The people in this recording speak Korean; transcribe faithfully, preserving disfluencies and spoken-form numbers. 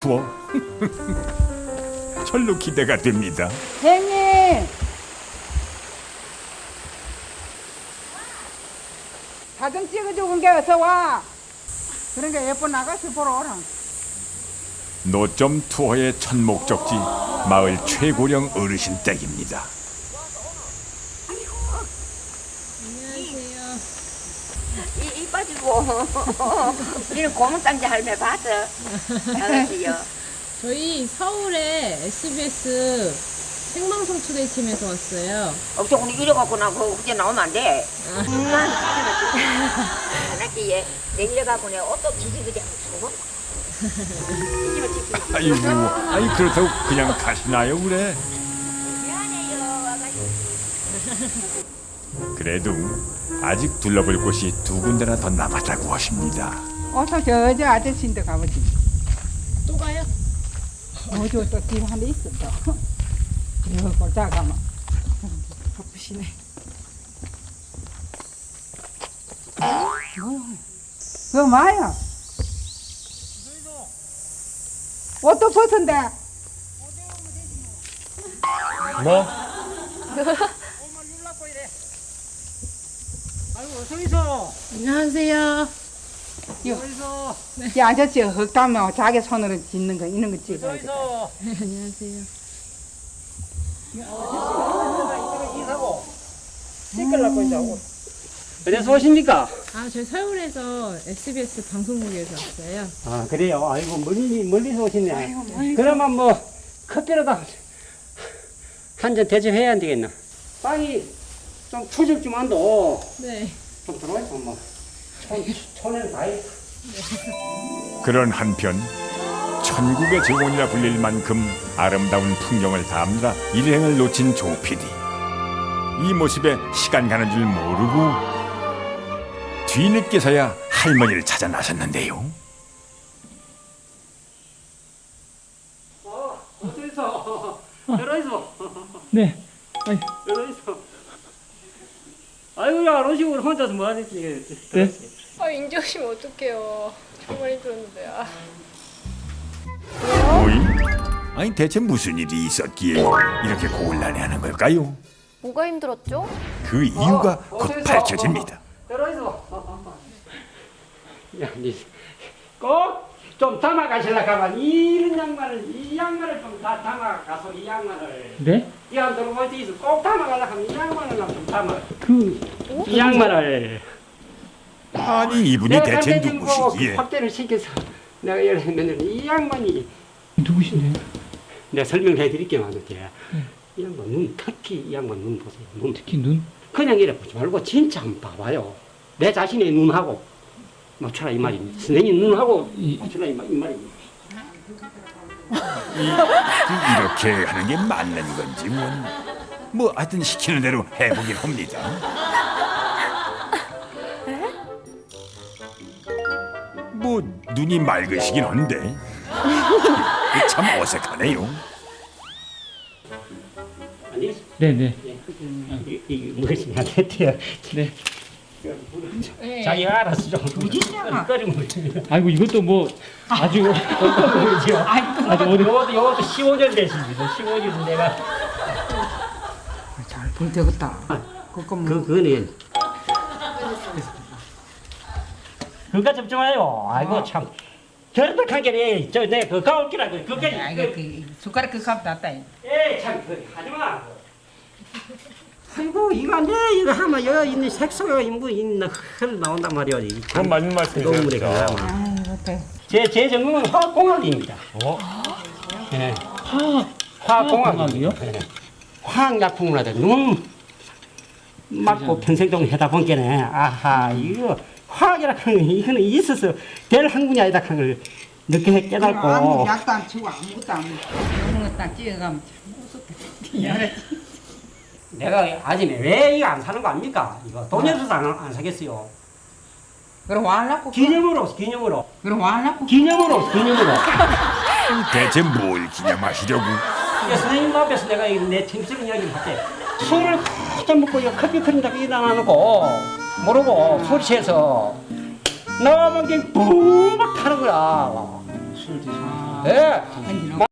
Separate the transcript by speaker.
Speaker 1: 투어. 절로 기대가 됩니다.
Speaker 2: 형님 사진 찍어주는 게 어서 와. 그러니까 예쁜 아가씨 보러 오라.
Speaker 1: 노점 투어의 첫 목적지 마을 최고령 어르신 댁입니다.
Speaker 3: 이, 이 빠지고 우리는 고문단지 할매 봤어. 아가씨요.
Speaker 4: 저희 서울의 에스비에스 생방송 초대팀에서 왔어요.
Speaker 3: 어쩌고 오늘 이래갖고 나 그거 그제 나오면 안 돼. 엄마는 시키면 안 할게 얘. 내 이래갖고 내가 옷도 기지그지 하고 주고.
Speaker 1: 아이고, 아이 그렇다고 그냥 가시나요, 그래?
Speaker 3: 미안해요 아가씨.
Speaker 1: 그래도 아직 둘러볼 곳이 두 군데나 더 남았다고 하십니다.
Speaker 2: 어서 저 저 아저씨인데 가보지.
Speaker 4: 또 가요?
Speaker 2: 어저 또집 한 대 있어 또. 이거 골자 가면 바쁘시네. 뭐야? 그거 뭐야? 옷도 벗은데.
Speaker 5: 뭐?
Speaker 4: 안녕하세요.
Speaker 2: 이 아저씨 흙담면 자기 손으로 짓는 거 이런 거 찍어야 돼.
Speaker 4: 네, 안녕하세요.
Speaker 5: 어디서 오십니까?
Speaker 4: 아, 저희 서울에서 에스비에스 방송국에서 왔어요.
Speaker 5: 아 그래요? 아이고 멀리, 멀리서 오시네. 그러면 뭐 커피라도 한 잔 대접해야 안 되겠나? 빵이 좀 추적 좀 한도
Speaker 4: 네.
Speaker 5: 좀 들어와있어 뭐 촌, 촌에는 다 있어.
Speaker 1: 그런 한편 천국의 정원이라 불릴 만큼 아름다운 풍경을 담느라 일행을 놓친 조 피디. 이 모습에 시간 가는 줄 모르고 뒤늦게서야 할머니를 찾아 나섰는데요.
Speaker 5: 어, 어디서? 들어있어.
Speaker 6: 네. 아이,
Speaker 5: 들어있어. 아이고 야 로시고 혼자서 뭐 하지?
Speaker 6: 네.
Speaker 4: 아, 인제 오시면 어떡해요. 정말 힘들었는데. 아.
Speaker 1: 오이? 아니 대체 무슨 일이 있었기에 이렇게 곤란해하는 걸까요?
Speaker 7: 뭐가 힘들었죠?
Speaker 1: 그 이유가
Speaker 5: 어,
Speaker 1: 곧
Speaker 5: 어디서?
Speaker 1: 밝혀집니다.
Speaker 5: 들어있어. 야, 니꼭좀 담아 가실라 가만 이런 양말을 이 양말을 좀 다 담아 가서 이 양말을
Speaker 6: 네?
Speaker 5: 이 안 들어올 때 있어 꼭 담아 가려 하면 이 양말을 좀 담아
Speaker 6: 그,
Speaker 5: 이 양말을
Speaker 1: 아니 이분이 대체 누구시기에?
Speaker 5: 확대를 시켜서 내가 이러면 이 양반이
Speaker 6: 누구신데요?
Speaker 5: 내가 설명을 해드릴게요 하는데 이 양반 눈 특히 이 양반 눈 보세요 눈
Speaker 6: 특히 눈?
Speaker 5: 그냥 이래 보지 말고 진짜 한번 봐봐요 내 자신의 눈하고 맞춰라 이 말입니다 선생님 눈하고
Speaker 6: 이-
Speaker 5: 맞춰라 이, 말, 이 말입니다
Speaker 1: 이, 그 이렇게 하는 게 맞는 건지 뭔. 뭐 하여튼 시키는 대로 해보긴 합니다. 뭐 눈이 맑으시긴 한데 참 어색하네요.
Speaker 5: 아니
Speaker 6: 네네.
Speaker 5: 이- 이게 무엇이 안 됐대요
Speaker 6: 네.
Speaker 5: 자기가 알아서 좀 끓이면 됩니다
Speaker 6: 아이고, 이것도 뭐, 아주,
Speaker 5: 그렇죠.
Speaker 6: 아주 어려
Speaker 5: 요것도 요것도 십오 년 됐습니다 십오 년 내가
Speaker 2: 잘 볼 되겠다. 그거 뭐
Speaker 5: 그 그거는 그거 좀 좋아요. 아이고 참 결백하게 저내그 가올기라고 그게
Speaker 2: 아, 이거 그 숟가락 그 값 났다.
Speaker 5: 에참 그 하지마. 아이고 이거 내 이거 하면 여기 있는 색소가 뭐 있나 흘 나온단 말이야.
Speaker 6: 그건 맞는 말씀이세요.
Speaker 2: 아이고 대.
Speaker 5: 제제 전공은 화학공학입니다.
Speaker 6: 어?
Speaker 5: 예.
Speaker 6: 화학,
Speaker 5: 화학공학이요? 예. 화학약품을 하다 눈 맞고 평생 동안 하다 보니까네 아하 이거 화학이라 하는 거 이거는 있어서 될 학문이 아니다 하는 걸 늦게 깨닫고
Speaker 2: 아무 약도 안 치고 아무것도 안 먹고 이런 거딱 찍어가면 참 무섭다.
Speaker 5: 내가 아침에 왜 이거 안 사는 거 압니까? 이거 돈이 없어서 안, 안 사겠어요.
Speaker 2: 그럼 와라고.
Speaker 5: 기념으로 기념으로
Speaker 2: 그럼 와라고.
Speaker 5: 기념으로 기념으로
Speaker 1: 대체 뭘 기념하시려고?
Speaker 5: 이거 선생님 앞에서 내가 이거 내 정치적 이야기를 할게 술을 한잔 먹고 이거 커피 끓인다고 일어나놓고 모르고 술 취해서 나만 그냥 붕막 타는 거야 술 드시면 예.